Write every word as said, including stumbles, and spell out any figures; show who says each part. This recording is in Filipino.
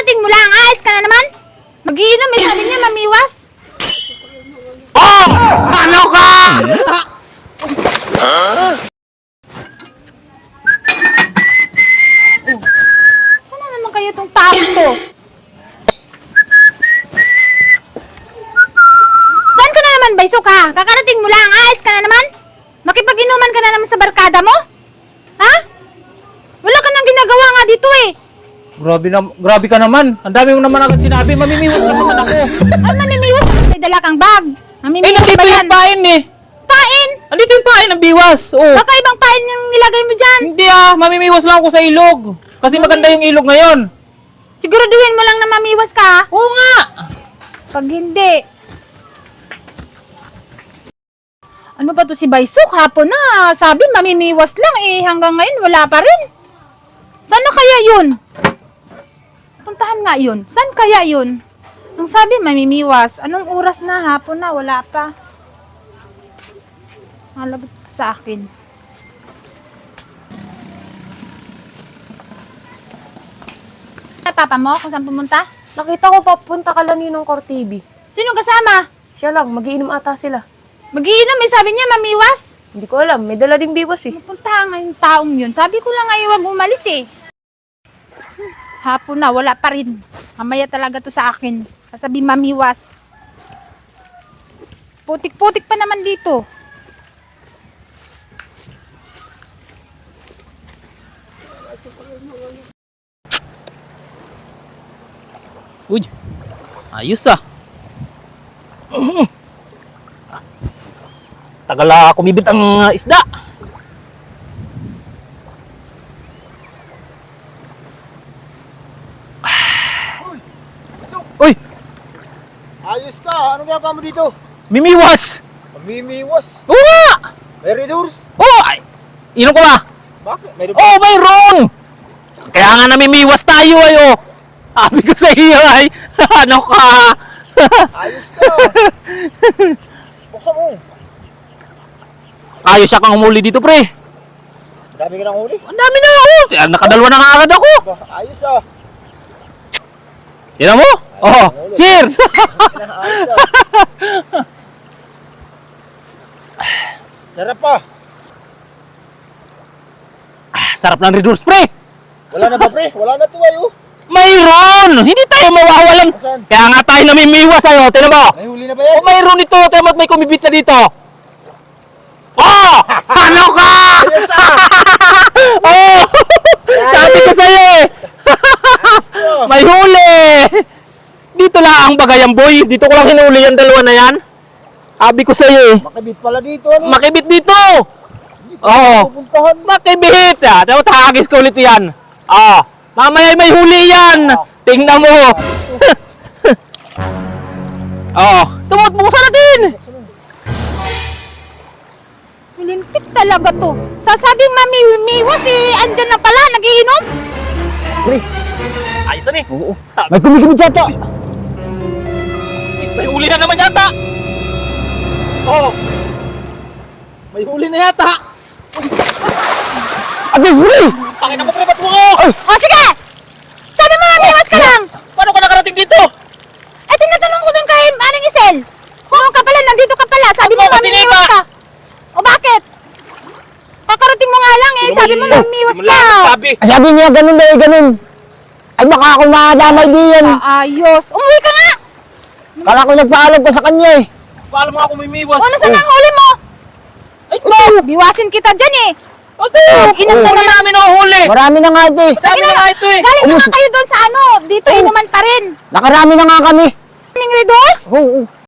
Speaker 1: Kakarating mo lang, ayos ka na naman. Mag-iinom, eh, sabi niya, mamiwas.
Speaker 2: Oh! Ano ka?
Speaker 1: Oh. Saan na naman kayo itong taon to? Saan ka na naman, Baysok, ha? Kakarating mo lang, ayos ka na naman. Makipag-inuman ka na naman sa barkada mo? Ha? Wala ka nang ginagawa nga dito, eh.
Speaker 2: Grabe, na, grabe ka naman. Ang dami mo naman agad sinabi. Mamimiwas na naman ako.
Speaker 1: Ay, mamimiwas. May dala kang bag.
Speaker 2: Eh,
Speaker 1: Mamimiwas
Speaker 2: nandito
Speaker 1: ba yan?
Speaker 2: yung pain eh.
Speaker 1: Pain?
Speaker 2: Nandito yung pain ng biwas. Oh.
Speaker 1: Baka ibang pain yung nilagay mo dyan.
Speaker 2: Hindi ah, mamimiwas lang ako sa ilog. Kasi maganda yung ilog ngayon.
Speaker 1: Siguraduhin mo lang na mamiwas ka, ha?
Speaker 2: Oo nga.
Speaker 1: Pag hindi. Ano ba to si Baysok? Hapon na. Sabi mamimiwas lang eh. Hanggang ngayon wala pa rin. Saan na kaya yun? Puntahan nga yun. Saan kaya yun? Ang sabi mamimiwas. Anong oras na? Hapon na. Wala pa. Malabot sa akin. Papa mo kung saan pumunta?
Speaker 3: Nakita ko papunta ka lang ng Core T V.
Speaker 1: Sino kasama?
Speaker 3: Siya lang, magiinom ata sila.
Speaker 1: Mag-iinom eh. Sabi niya mamiwas.
Speaker 3: Hindi ko alam, may dala ding biwas eh.
Speaker 1: Pupunta nga yung taong yun. Sabi ko lang ay huwag umalis eh. Hapon na, wala pa rin. Mamaya talaga to sa akin. Sasabi mamiwas. Putik-putik pa naman dito.
Speaker 2: Uy, ayos ah. Tagal ah, kumibit ang uh, isda. Uy,
Speaker 4: Ayos ka! Ano ginagawa mo dito?
Speaker 2: mimiwas.
Speaker 4: Mamimiwas!
Speaker 2: Oo nga.
Speaker 4: May redors!
Speaker 2: Oo, ay, inom ko ba?
Speaker 4: Bakit? May
Speaker 2: Oh, mayroon! Kaya nga namimiwas tayo ayo. Sabi ko sa iyo ay, ano ka?
Speaker 4: Ayos ka! Buksan mo!
Speaker 2: Ayos siya kang humuli dito, pre.
Speaker 4: Dami ka ng huli.
Speaker 2: Ang dami na ako. Kaya nakadalwa na nga agad ako.
Speaker 4: Ba, ayos ah!
Speaker 2: Tignan mo? Oh, cheers!
Speaker 4: Ayos ah! Sarap pa!
Speaker 2: Sarap ng Red Horse, pre.
Speaker 4: Wala na ba pre? Wala na to ayo!
Speaker 2: Mayroon! Hindi tayo mawawalan.
Speaker 4: Saan?
Speaker 2: Kaya nga tayo namimiwas ayo. Tignan mo?
Speaker 4: May huli na ba yan?
Speaker 2: Oh, mayroon ito. Tignan mo at may kumibit na dito. Oh! Ano ka?
Speaker 4: Ayos ah!
Speaker 2: Oh! Sabi ko sa'yo eh.
Speaker 4: Ayos to!
Speaker 2: May huli! Dito lang ang bagayang boy. Dito ko lang hinuli yung dalawa na yan. Sabi ko sa'yo eh.
Speaker 4: Makibit pala dito ano?
Speaker 2: Makibit dito! Oo.
Speaker 4: Pupuntahan!
Speaker 2: Makibit! Ah, dapat hagis ko ulit yan. Ah, mamaya may huli yan. Tingnan mo. Oo. Tumot, buksan natin.
Speaker 1: Milintik talaga to. Sasabing mamimiwas eh. Andyan na pala, nagiinom.
Speaker 4: Pre!
Speaker 2: Ayos na eh.
Speaker 4: Oo! May kumikibit yata!
Speaker 2: May huli na naman yata. Oo. May huli na yata.
Speaker 4: Agis pre!
Speaker 2: Pakita mo pre, ba't mo ko?
Speaker 1: O sige! Sabi mo mamiwas ka lang.
Speaker 2: Paano ka nakarating dito?
Speaker 1: Eh, tinatanong ko dun kay Aling Isel. Kung ka pala, nandito ka pala. Sabi mo
Speaker 2: Ako,
Speaker 1: mamimiwas
Speaker 2: sinika.
Speaker 1: ka. O bakit? Kakarating mo nga lang eh. Sabi mo mamimiwas
Speaker 2: Hindi mo
Speaker 1: ka.
Speaker 2: lang sabi.
Speaker 4: Sabi niya ganun daw ganun! Ay baka ako madamay di yan!
Speaker 1: Ayos. Umuwi ka nga.
Speaker 4: Kala ko nagpaalam pa sa kanya eh!
Speaker 2: Paano mo ako mimiwas?
Speaker 1: O, nasaan ang huli mo?
Speaker 2: Ay, ito!
Speaker 1: Biwasin kita dyan eh.
Speaker 2: Ito!
Speaker 1: Inom ka
Speaker 2: Huli
Speaker 1: naman.
Speaker 2: namin ang huli!
Speaker 4: Marami na nga ito eh!
Speaker 2: Dami na nga ito eh!
Speaker 1: Galing naman
Speaker 4: Umus-
Speaker 1: kayo doon sa ano. Dito inuman pa rin.
Speaker 4: Nakarami na nga kami!
Speaker 1: Kaming Red Horse?
Speaker 4: Oo!